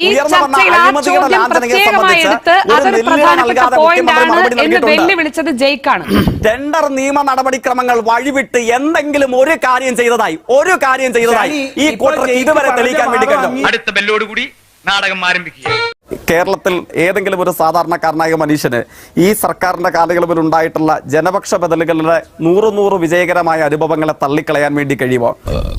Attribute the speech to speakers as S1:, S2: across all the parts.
S1: Tender നിയമ നടപടിക്രമങ്ങൾ വഴിവിട്ട് എന്തെങ്കിലും ഒരു കാര്യം ചെയ്തതായി ഈ കൂട്ടർ ഇതുവരെ തെളിയിക്കാൻ വേണ്ടി കഴിഞ്ഞു.
S2: അടുത്ത ബെല്ലോടുകൂടി നാടകം ആരംഭിക്കുക.
S1: കേരളത്തിൽ ഏതെങ്കിലും ഒരു സാധാരണക്കാരനായ മനുഷ്യന് ഈ സർക്കാരിന്റെ കാലയളവിൽ ഉണ്ടായിട്ടുള്ള ജനപക്ഷ ബദലുകളുടെ 100 വിജയകരമായ അനുഭവങ്ങളെ തള്ളിക്കളയാൻ വേണ്ടി കഴിയുമോ?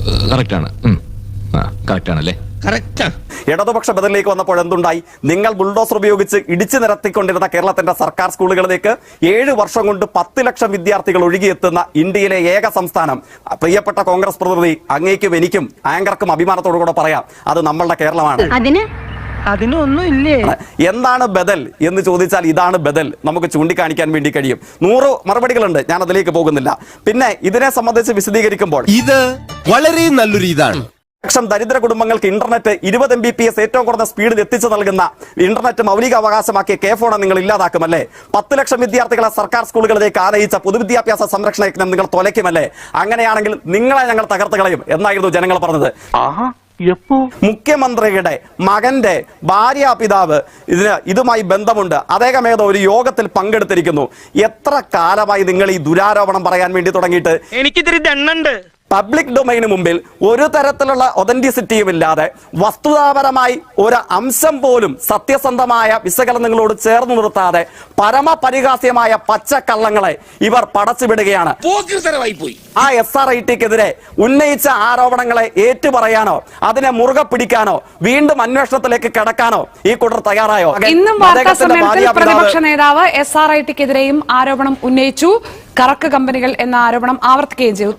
S1: ഇടതുപക്ഷ ബദലിലേക്ക് വന്നപ്പോൾ എന്തുണ്ടായി? നിങ്ങൾ ബുൾഡോസർ ഉപയോഗിച്ച് ഇടിച്ചു നിരത്തിക്കൊണ്ടിരുന്ന കേരളത്തിന്റെ സർക്കാർ സ്കൂളുകളിലേക്ക് 7 വർഷം കൊണ്ട് 10 ലക്ഷം വിദ്യാർത്ഥികൾ ഒഴുകിയെത്തുന്ന ഇന്ത്യയിലെ ഏക സംസ്ഥാനം. പ്രിയപ്പെട്ട കോൺഗ്രസ് പ്രതിനിധി, അങ്ങേക്കും എനിക്കും ആങ്കർക്കും അഭിമാനത്തോടു കൂടെ പറയാം, അത് നമ്മളുടെ കേരളമാണ്.
S3: അതിനൊന്നും ഇല്ലേ?
S1: എന്താണ് ബദൽ എന്ന് ചോദിച്ചാൽ ഇതാണ് ബദൽ. നമുക്ക് ചൂണ്ടിക്കാണിക്കാൻ വേണ്ടി കഴിയും. 100 മറുപടികളുണ്ട്, ഞാൻ അതിലേക്ക് പോകുന്നില്ല. പിന്നെ ഇതിനെ സംബന്ധിച്ച് വിശദീകരിക്കുമ്പോൾ
S4: ഇത് വളരെ നല്ലൊരു ഇതാണ്.
S1: ലക്ഷം ദരിദ്ര കുടുംബങ്ങൾക്ക് ഇന്റർനെറ്റ് 20 Mbps ഏറ്റവും കുറഞ്ഞ സ്പീഡിൽ എത്തിച്ചു നൽകുന്ന ഇന്റർനെറ്റ് മൗലിക അവകാശമാക്കിയ കെ ഫോൺ നിങ്ങൾ ഇല്ലാതാക്കുമല്ലേ? 10 ലക്ഷം വിദ്യാർത്ഥികളെ സർക്കാർ സ്കൂളുകളിലേക്ക് ആനയിച്ച പൊതുവിദ്യാഭ്യാസ സംരക്ഷണ യജ്ഞം നിങ്ങൾ തുലയ്ക്കുമല്ലേ? അങ്ങനെയാണെങ്കിൽ നിങ്ങളെ ഞങ്ങൾ തകർത്ത് കളയും എന്നായിരുന്നു ജനങ്ങൾ പറഞ്ഞത്. മുഖ്യമന്ത്രിയുടെ മകന്റെ ഭാര്യാപിതാവ് ഇതുമായി ബന്ധമുണ്ട്. അദ്ദേഹം ഏതോ ഒരു യോഗത്തിൽ പങ്കെടുത്തിരിക്കുന്നു. എത്ര കാലമായി നിങ്ങൾ ഈ ദുരാരോപണം പറയാൻ വേണ്ടി തുടങ്ങിയിട്ട്?
S3: എനിക്കിതിരി ദണ്ണുണ്ട്.
S1: പബ്ലിക് ഡൊമൈന് മുമ്പിൽ ഒരു തരത്തിലുള്ള ഒതന്റിസിറ്റിയും ഇല്ലാതെ വസ്തുതാപരമായി ഒരു അംശം പോലും സത്യസന്ധമായ വിശകലനങ്ങളോട് ചേർന്ന് നിർത്താതെ പരമപരിഹാസ്യമായ പച്ചക്കള്ളങ്ങളെ ഇവർ പടച്ചുവിടുകയാണ്. ആ SRITക്കെതിരെ ഉന്നയിച്ച ആരോപണങ്ങളെ ഏറ്റുപറയാനോ അതിനെ മുറുകെ പിടിക്കാനോ വീണ്ടും അന്വേഷണത്തിലേക്ക് കടക്കാനോ ഈ കൂട്ടർ തയ്യാറായോ?
S5: ഇന്നും വാർത്താ സമ്മേളനത്തിൽ പ്രതിപക്ഷ നേതാവ് SRITക്കെതിരെയും ആരോപണം ഉന്നയിച്ചു. കറക്ക് കമ്പനികൾ എന്ന ആരോപണം ആവർത്തിക്കുകയും ചെയ്തു.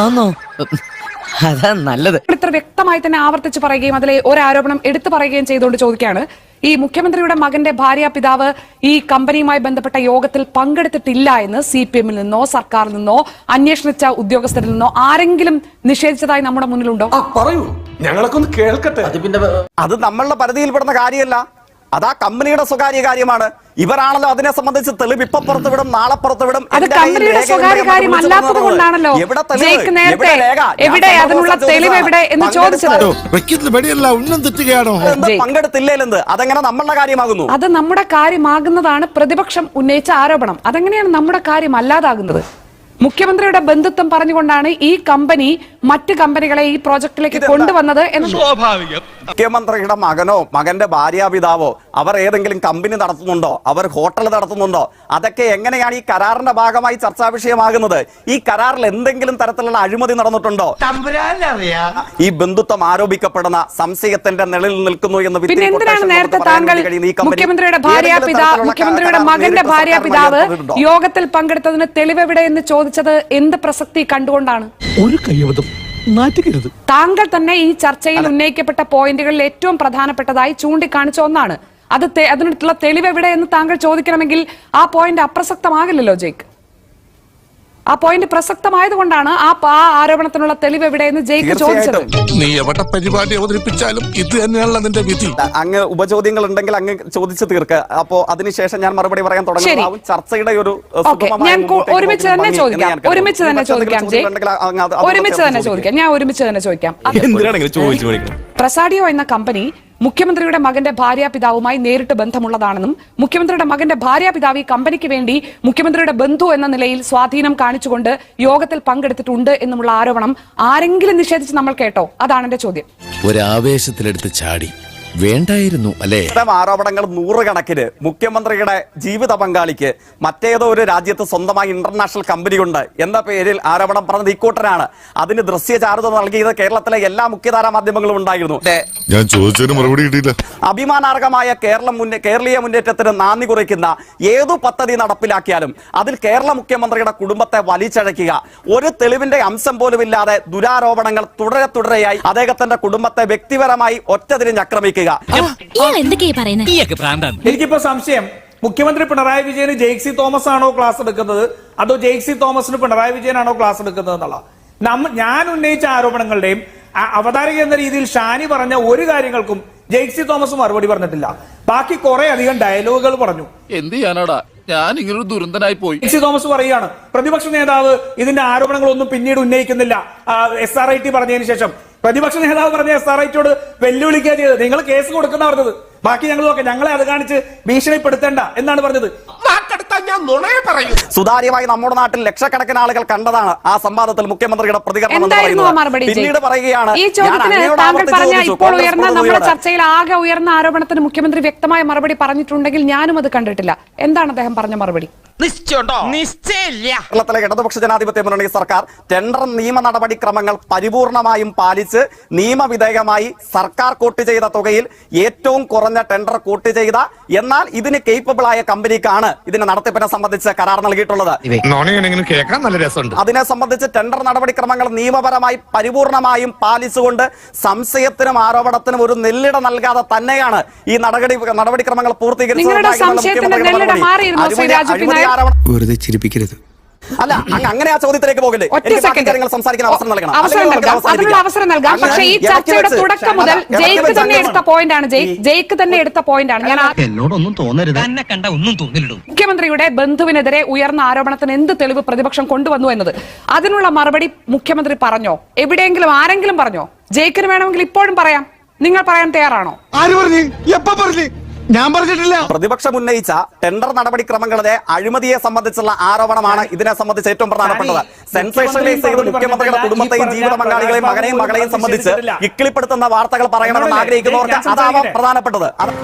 S3: നല്ലത്
S5: ഇത്ര വ്യക്തമായി തന്നെ ആവർത്തിച്ച് പറയുകയും അതിലെ ഒരു ആരോപണം എടുത്തു പറയുകയും ചെയ്തുകൊണ്ട് ചോദിക്കുകയാണ്, ഈ മുഖ്യമന്ത്രിയുടെ മകന്റെ ഭാര്യാപിതാവ് ഈ കമ്പനിയുമായി ബന്ധപ്പെട്ട യോഗത്തിൽ പങ്കെടുത്തിട്ടില്ല എന്ന് CPM-ൽ നിന്നോ സർക്കാരിൽ നിന്നോ അന്വേഷിച്ച ഉദ്യോഗസ്ഥരിൽ നിന്നോ ആരെങ്കിലും നിഷേധിച്ചതായി നമ്മുടെ മുന്നിലുണ്ടോ?
S6: പറയൂ, ഞങ്ങളൊക്കെ ഒന്ന് കേൾക്കട്ടെ.
S1: അത് നമ്മളുടെ പരിധിയിൽപ്പെടുന്ന കാര്യമല്ല, അതാ കമ്പനിയുടെ സ്വകാര്യ കാര്യമാണ്. ഇവരാണല്ലോ അതിനെ സംബന്ധിച്ച് തെളിവ് ഇപ്പൊ പുറത്തുവിടും, നാളെ പുറത്തുവിടും.
S5: അത് കമ്പനിയുടെ സ്വകാര്യ കാര്യം അല്ലാത്തത് കൊണ്ടാണല്ലോ നേരത്തെ എവിടെ അതിനുള്ള തെളിവ് എവിടെ എന്ന് ചോദിച്ചത്.
S1: പങ്കെടുത്തില്ലേലെന്ത് അതെങ്ങനെ നമ്മളുടെ കാര്യമാകുന്നു?
S5: അത് നമ്മുടെ കാര്യമാകുന്നതാണ് പ്രതിപക്ഷം ഉന്നയിച്ച ആരോപണം. അതെങ്ങനെയാണ് നമ്മുടെ കാര്യം അല്ലാതാകുന്നത്? മുഖ്യമന്ത്രിയുടെ ബന്ധുത്വം പറഞ്ഞുകൊണ്ടാണ് ഈ കമ്പനി മറ്റ് കമ്പനികളെ ഈ പ്രോജക്റ്റിലേക്ക് കൊണ്ടുവന്നത് എന്ന്.
S2: സ്വാഭാവികം.
S1: മുഖ്യമന്ത്രിയുടെ മകനോ മകന്റെ ഭാര്യാപിതാവോ അവർ ഏതെങ്കിലും കമ്പനി നടത്തുന്നുണ്ടോ, അവർ ഹോട്ടൽ നടത്തുന്നുണ്ടോ? അതൊക്കെ എങ്ങനെയാണ് ഈ കരാറിന്റെ ഭാഗമായി ചർച്ചാ വിഷയമാകുന്നത്? ഈ കരാറിൽ എന്തെങ്കിലും തരത്തിലുള്ള അഴിമതി നടന്നിട്ടുണ്ടോ? ഈ ബന്ധുത്വം ആരോപിക്കപ്പെടുന്ന സംശയത്തിന്റെ നിഴലിൽ നിൽക്കുന്നു എന്ന്.
S5: പിന്നെ എന്തിനാണ് നേരത്തെ താങ്കൾ മുഖ്യമന്ത്രിയുടെ മകന്റെ ഭാര്യാപിതാവ് യോഗത്തിൽ പങ്കെടുത്തതിന് തെളിവെവിടെ എന്ന് ചോദിച്ചത്? എന്ത് പ്രസക്തി കണ്ടുകൊണ്ടാണ്?
S6: ഒരു കൈവതം നാറ്റുകരുത്.
S5: താങ്കൾ തന്നെ ഈ ചർച്ചയിൽ ഉന്നയിക്കപ്പെട്ട പോയിന്റുകളിൽ ഏറ്റവും പ്രധാനപ്പെട്ടതായി ചൂണ്ടിക്കാണിച്ച ഒന്നാണ്. അതിനുള്ള തെളിവ് എവിടെ എന്ന് താങ്കൾ ചോദിക്കണമെങ്കിൽ ആ പോയിന്റ് അപ്രസക്തമാകില്ലല്ലോ ജയ്ക്ക്. ആ പോയിന്റ് പ്രസക്തമായതുകൊണ്ടാണ് ആ ആരോപണത്തിനുള്ള തെളിവ് എവിടെയെന്ന് ജയിക്ക് ചോദിച്ചത്.
S4: നീ എവിടെ പരിപാടി അവതരിപ്പിച്ചാലും ഇത് തന്നെയാണല്ലോ നിന്റെ വിധി.
S1: അങ്ങ് ഉപചോദ്യങ്ങൾ ഉണ്ടെങ്കിൽ അങ്ങ് ചോദിച്ചു തീർക്ക്. അപ്പോ അതിനുശേഷം ഞാൻ മറുപടി പറയാൻ തുടങ്ങും. ചർച്ചയുടെ ഒരു
S5: ഞാൻ ഒരുമിച്ച് തന്നെ ചോദിക്കാം. പ്രസാഡിയോ എന്ന കമ്പനി മുഖ്യമന്ത്രിയുടെ മകന്റെ ഭാര്യാപിതാവുമായി നേരിട്ട് ബന്ധമുള്ളതാണെന്നും മുഖ്യമന്ത്രിയുടെ മകന്റെ ഭാര്യാപിതാവ് ഈ കമ്പനിക്ക് വേണ്ടി മുഖ്യമന്ത്രിയുടെ ബന്ധു എന്ന നിലയിൽ സ്വാധീനം കാണിച്ചുകൊണ്ട് യോഗത്തിൽ പങ്കെടുത്തിട്ടുണ്ട് എന്നുമുള്ള ആരോപണം ആരെങ്കിലും നിഷേധിച്ച് നമ്മൾ കേട്ടോ? അതാണ് എന്റെ ചോദ്യം.
S4: ഒരാവേശത്തിലെടുത്ത് ചാടി വേണ്ടായിരുന്നു അല്ലേ?
S1: ആരോപണങ്ങൾ 100 കണക്കിന്. മുഖ്യമന്ത്രിയുടെ ജീവിത പങ്കാളിക്ക് മറ്റേതോ ഒരു രാജ്യത്ത് സ്വന്തമായി ഇന്റർനാഷണൽ കമ്പനി ഉണ്ട് എന്ന പേരിൽ ആരോപണം പറഞ്ഞത് ഇക്കൂട്ടരാണ്. അതിന് ദൃശ്യചാരുത നൽകിയത് കേരളത്തിലെ എല്ലാ മുഖ്യധാരാ മാധ്യമങ്ങളും ഉണ്ടായിരുന്നു.
S4: ഞാൻ ചോദിച്ചതിന് മറുപടി കിട്ടിയില്ല.
S1: അഭിമാനാർഹമായ കേരളീയ മുന്നേറ്റത്തിന് നാന്ദി കുറിക്കുന്ന ഏതു പദ്ധതി നടപ്പിലാക്കിയാലും അതിൽ കേരള മുഖ്യമന്ത്രിയുടെ കുടുംബത്തെ വലിച്ചഴക്കുക, ഒരു തെളിവിന്റെ അംശം പോലും ഇല്ലാതെ ദുരാരോപണങ്ങൾ തുടരെയായി അദ്ദേഹത്തിന്റെ കുടുംബത്തെ വ്യക്തിപരമായി ഒറ്റതിരിഞ്ഞ് ആക്രമിക്കുക.
S6: എനിക്കിപ്പോ സംശയം, മുഖ്യമന്ത്രി പിണറായി വിജയന് ജെയ്സി തോമസ് ആണോ ക്ലാസ് എടുക്കുന്നത് അതോ ജെയ്സി തോമസിന് പിണറായി വിജയനാണോ ക്ലാസ് എടുക്കുന്നത് എന്നുള്ള ഞാൻ ഉന്നയിച്ച ആരോപണങ്ങളുടെയും അവതാരക എന്ന രീതിയിൽ ഷാനി പറഞ്ഞ ഒരു കാര്യങ്ങൾക്കും ജെയ്സി തോമസ് മറുപടി പറഞ്ഞിട്ടില്ല. ബാക്കി കുറെ അധികം ഡയലോഗുകൾ പറഞ്ഞു.
S4: എന്ത് ചെയ്യാനാടാ, ഞാൻ ഇങ്ങനൊരു ദുരന്തനായി പോയി.
S6: ജെയ്സി തോമസ് പറയുകയാണ് പ്രതിപക്ഷ നേതാവ് ഇതിന്റെ ആരോപണങ്ങളൊന്നും പിന്നീട് ഉന്നയിക്കുന്നില്ല SRIT പറഞ്ഞതിന് ശേഷം. പ്രതിപക്ഷ നേതാവ് പറഞ്ഞ SRIറ്റോട് വെല്ലുവിളിക്കുക ചെയ്തത്. നിങ്ങൾ കേസ് കൊടുക്കുന്ന പറഞ്ഞത്, ബാക്കി ഞങ്ങൾ നോക്കാം, ഞങ്ങളെ അത് കാണിച്ച് ഭീഷണിപ്പെടുത്തേണ്ട എന്നാണ് പറഞ്ഞത്.
S1: സുതാര്യമായി നമ്മുടെ നാട്ടിൽ ലക്ഷക്കണക്കിന് ആളുകൾ കണ്ടതാണ് ആ സംവാദത്തിൽ മുഖ്യമന്ത്രിയുടെ പ്രതികരണം എന്ന് പറയുന്നത്. പിന്നീട് പറയുകയാണ്,
S5: ഈ ചോദ്യത്തിന് താങ്കൾ പറഞ്ഞ ഇപ്പോൾ ഉയർന്ന നമ്മുടെ ചർച്ചയിൽ ആകെ ഉയർന്ന ആരോപണത്തിന് മുഖ്യമന്ത്രി വ്യക്തമായ മറുപടി പറഞ്ഞിട്ടുണ്ടെങ്കിൽ ഞാനും അത് കണ്ടിട്ടില്ല. എന്താണ് അദ്ദേഹം പറഞ്ഞ മറുപടി?
S1: കേരളത്തിലെ ഇടതുപക്ഷ ജനാധിപത്യ മുന്നണി സർക്കാർ ടെൻഡർ നിയമ നടപടിക്രമങ്ങൾ പരിപൂർണമായും പാലിച്ച് നിയമവിധേയമായി സർക്കാർ കോട്ട് ചെയ്ത തുകയിൽ ഏറ്റവും കുറഞ്ഞ ടെൻഡർ കോട്ട് ചെയ്ത എന്നാൽ ഇതിന് കേപ്പബിൾ ആയ കമ്പനിക്കാണ് ഇതിന്റെ നടത്തിപ്പിനെ സംബന്ധിച്ച് കരാർ നൽകിയിട്ടുള്ളത്.
S4: കേൾക്കാൻ നല്ല രസമുണ്ട്.
S1: അതിനെ സംബന്ധിച്ച് ടെൻഡർ നടപടിക്രമങ്ങൾ നിയമപരമായി പരിപൂർണമായും പാലിച്ചുകൊണ്ട് സംശയത്തിനും ആരോപണത്തിനും ഒരു നെല്ലിട നൽകാതെ തന്നെയാണ് ഈ നടപടിക്രമങ്ങൾ
S7: വെറുതെ ചിരിപ്പിക്കരുത്.
S1: അല്ല, അങ്ങനെ ആ ചോദ്യത്തിലേക്ക് പോകില്ലേ? സംസാരിക്കാൻ അവസരം നൽകണം.
S5: അവസരം നൽകാം. പക്ഷേ ഈ ചർച്ചയുടെ തുടക്കം മുതൽ ജയിക്ക് തന്നെ എടുത്ത പോയിന്റാണ്. ജയിക്ക് തന്നെ എടുത്ത പോയിന്റാണ്. ഞാൻ
S3: എന്നോടൊന്നും തോന്നരുത്, എന്നെ കണ്ട ഒന്നും തോന്നില്ലടൂ.
S5: മുഖ്യമന്ത്രിയുടെ ബന്ധുവിനെതിരെ ഉയർന്ന ആരോപണത്തിന് എന്ത് തെളിവ് പ്രതിപക്ഷം കൊണ്ടുവന്നു എന്നത്, അതിനുള്ള മറുപടി മുഖ്യമന്ത്രി പറഞ്ഞോ? എവിടെയെങ്കിലും ആരെങ്കിലും പറഞ്ഞോ? ജയിക്കിന് വേണമെങ്കിൽ ഇപ്പോഴും പറയാം. നിങ്ങൾ പറയാൻ തയ്യാറാണോ?
S4: ആര് പറഞ്ഞു? എപ്പോ പറഞ്ഞു? ഞാൻ പറഞ്ഞിട്ടില്ല.
S1: പ്രതിപക്ഷം ഉന്നയിച്ച ടെൻഡർ നടപടിക്രമങ്ങളുടെ അഴിമതിയെ സംബന്ധിച്ചുള്ള ആരോപണമാണ് ഇതിനെ സംബന്ധിച്ച് ഏറ്റവും പ്രധാനപ്പെട്ടത്. സെൻസേഷനലൈസ് ചെയ്ത് മുഖ്യമന്ത്രിയുടെ കുടുംബത്തെയും ജീവിത പങ്കാളികളെയും മകനെയും മകളെയും സംബന്ധിച്ച് ഇക്കിളിപ്പെടുത്തുന്ന വാർത്തകൾ പറയണമെന്ന് ആഗ്രഹിക്കുന്നവർക്ക് അതാവാം പ്രധാനപ്പെട്ടത്.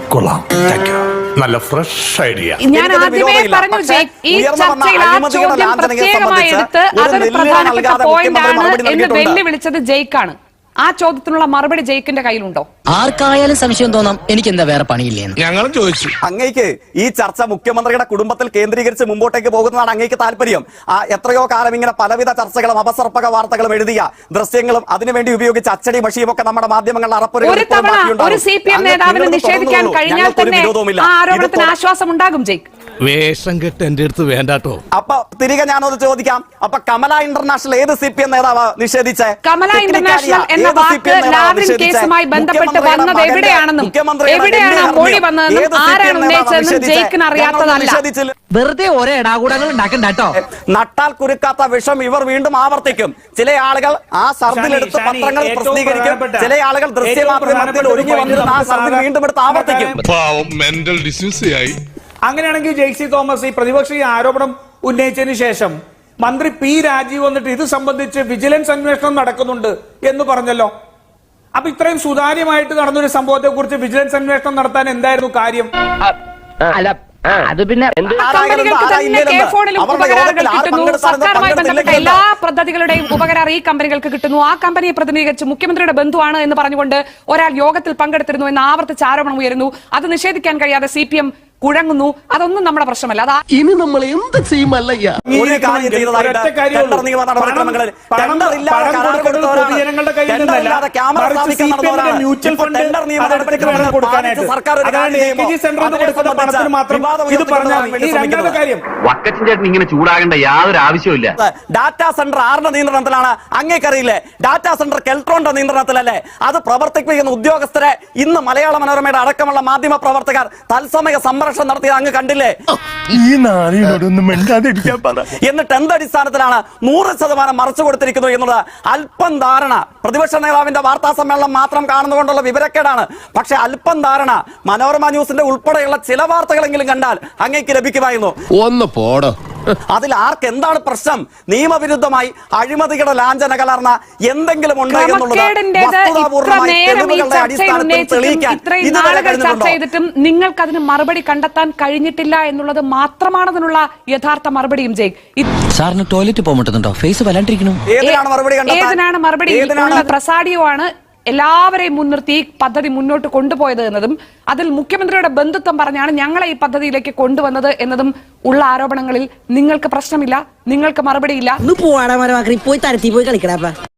S4: നല്ല ഫ്രഷ് ഐഡിയ.
S5: ഞാൻ ആദ്യമേ പറഞ്ഞു, ഈ ചർച്ചയിൽ ആ ചോദ്യം പ്രത്യേകമായി എടുത്ത് അതൊരു പ്രധാനപ്പെട്ട പോയിന്റാണ് എന്ന് വെല്ലുവിളിച്ചത് ജയിക്കാണ്. ആ ചോദ്യത്തിനുള്ള മറുപടി ജയിക്കിന്റെ കയ്യിലുണ്ടോ?
S8: ആർക്കായാലും സംശയം തോന്നാം, എനിക്ക് എന്താ വേറെ പണിയില്ലേ?
S4: ഞങ്ങളും ചോദിച്ചു.
S1: അങ്ങേക്ക് ഈ ചർച്ച മുഖ്യമന്ത്രിയുടെ കുടുംബത്തിൽ കേന്ദ്രീകരിച്ച് മുമ്പോട്ടേക്ക് പോകുന്നതാണ് അങ്ങേക്ക് താല്പര്യം. എത്രയോ കാലം ഇങ്ങനെ പലവിധ ചർച്ചകളും അപസർപ്പക വാർത്തകളും എഴുതിയ ദൃശ്യങ്ങളും അതിനുവേണ്ടി ഉപയോഗിച്ച അച്ചടി മഷിയും ഒക്കെ നമ്മുടെ മാധ്യമങ്ങളിൽ
S5: ഒരു CPM നേതാവിന് നിഷേധിക്കാൻ കഴിഞ്ഞാൽ തന്നെ ആ ആരോപണത്തിന് ആശ്വാസം ഉണ്ടാകും. ജയിക്ക്
S4: വേഷം കെട്ട് എന്റെ അടുത്ത് വേണ്ടാട്ടോ.
S1: അപ്പൊ തിരികെ ഞാനൊന്ന് ചോദിക്കാം, അപ്പൊ കമല ഇന്റർനാഷണൽ ഏത് CPM നേതാവ് നിഷേധിച്ചേ?
S5: കമല ഇന്റർനാഷണൽ എന്ന വാക്ക് ലാവ്ലിൻ കേസുമായി ബന്ധപ്പെട്ട് വന്നത് എവിടെയാണെന്നും എവിടെയാണ് ആ മൊഴി വന്നതെന്നും ആരാണ് ഉന്നയിച്ചതെന്നും ജയിക്കിന് അറിയാത്തതല്ല.
S8: വെറുതെ ഓരോ ഇടാകൂടങ്ങൾ ഉണ്ടാക്കണ്ടോ.
S1: നട്ടാൽ കുരുക്കാത്ത വിഷം ഇവർ വീണ്ടും ആവർത്തിക്കും. ചില ആളുകൾ ആ സർദിലെടുത്ത് പത്രങ്ങൾ പ്രസിദ്ധീകരിക്കും, ചില ആളുകൾ ദൃശ്യമാധ്യമത്തിൽ ഒരുങ്ങി വന്നിരുന്ന ആ സർദിൽ വീണ്ടും എടുത്ത് ആവർത്തിക്കും.
S6: അങ്ങനെയാണെങ്കിൽ ജെയ്സി തോമസ് ഈ പ്രതിപക്ഷ ആരോപണം ഉന്നയിച്ചതിന് ശേഷം മന്ത്രി P. രാജീവ് വന്നിട്ട് ഇത് സംബന്ധിച്ച് വിജിലൻസ് അന്വേഷണം നടക്കുന്നുണ്ട് എന്ന് പറഞ്ഞല്ലോ. അപ്പൊ ഇത്രയും സുതാര്യമായിട്ട് നടന്നൊരു സംഭവത്തെ കുറിച്ച് വിജിലൻസ് അന്വേഷണം നടത്താൻ എന്തായിരുന്നു കാര്യം?
S8: അത് പിന്നെ
S5: സർക്കാരുമായി ബന്ധപ്പെട്ട എല്ലാ പദ്ധതികളുടെയും ഉപകരാർ ഈ കമ്പനികൾക്ക് കിട്ടുന്നു. ആ കമ്പനിയെ പ്രതിനിധീകരിച്ച് മുഖ്യമന്ത്രിയുടെ ബന്ധുവാണ് എന്ന് പറഞ്ഞുകൊണ്ട് ഒരാൾ യോഗത്തിൽ പങ്കെടുത്തിരുന്നു എന്ന് ആവർത്തിച്ച് ആരോപണം ഉയരുന്നു. അത് നിഷേധിക്കാൻ കഴിയാതെ CPM കുഴങ്ങുന്നു. അതൊന്നും നമ്മുടെ പ്രശ്നമല്ല.
S8: ഇനി നമ്മൾ എന്ത് ചെയ്യുമല്ലയ്യ.
S9: ഇങ്ങനെ ചൂടാകേണ്ട യാതൊരു ആവശ്യമില്ല.
S1: ഡാറ്റാ സെന്റർ ആരുടെ നിയന്ത്രണത്തിലാണ് അങ്ങേക്കറിയില്ലേ? Data centre കെൽട്രോണിന്റെ നിയന്ത്രണത്തിലല്ലേ? അത് പ്രവർത്തിപ്പിക്കുന്ന ഉദ്യോഗസ്ഥരെ ഇന്ന് മലയാള മനോരമയുടെ അടക്കമുള്ള മാധ്യമ പ്രവർത്തകർ തത്സമയ സംരക്ഷണം നടത്തിയത് അങ്ങ് കണ്ടില്ലേ? എന്നിട്ട് എന്തടിസ്ഥാനത്തിലാണ് 100% മറച്ചു കൊടുത്തിരിക്കുന്നു എന്നുള്ളത് അല്പം ധാരണ. പ്രതിപക്ഷ നേതാവിന്റെ വാർത്താ സമ്മേളനം മാത്രം കാണുന്നതുകൊണ്ടുള്ള വിവരക്കേടാണ്. പക്ഷെ അല്പം ധാരണ മനോരമ ന്യൂസിന്റെ ഉൾപ്പെടെയുള്ള ചില വാർത്തകളെങ്കിലും കണ്ടാൽ അങ്ങേക്ക് ലഭിക്കുമായിരുന്നു.
S4: ഒന്ന് പോടോ.
S1: അതിൽ ആർക്ക് എന്താണ് പ്രശ്നം? നിയമവിരുദ്ധമായി അഴിമതികളുടെ ലാഞ്ചന കലർന്ന എന്തെങ്കിലും ഉണ്ട് എന്നുള്ളത്
S5: ചർച്ച ചെയ്തിട്ടും നിങ്ങൾക്ക് അതിന് മറുപടി കണ്ടെത്താൻ കഴിഞ്ഞിട്ടില്ല എന്നുള്ളത് മാത്രമാണ് അതിനുള്ള യഥാർത്ഥ മറുപടിയും.
S8: സാറിന് ടോയ്ലറ്റ് പോകുന്നുണ്ടോ? ഫേസ് വല്ലാണ്ടിരിക്കുന്നു.
S5: ഏതിനാണ് മറുപടി? പ്രസാഡിയോ ആണ് എല്ലാവരെയും മുൻനിർത്തി ഈ പദ്ധതി മുന്നോട്ട് കൊണ്ടുപോയത് എന്നതും അതിൽ മുഖ്യമന്ത്രിയുടെ ബന്ധുത്വം പറഞ്ഞാണ് ഞങ്ങളെ ഈ പദ്ധതിയിലേക്ക് കൊണ്ടുവന്നത് എന്നതും ഉള്ള ആരോപണങ്ങളിൽ നിങ്ങൾക്ക് പ്രശ്നമില്ല, നിങ്ങൾക്ക് മറുപടിയില്ല.
S8: പോയി തരത്തി പോയി കളിക്കടാ.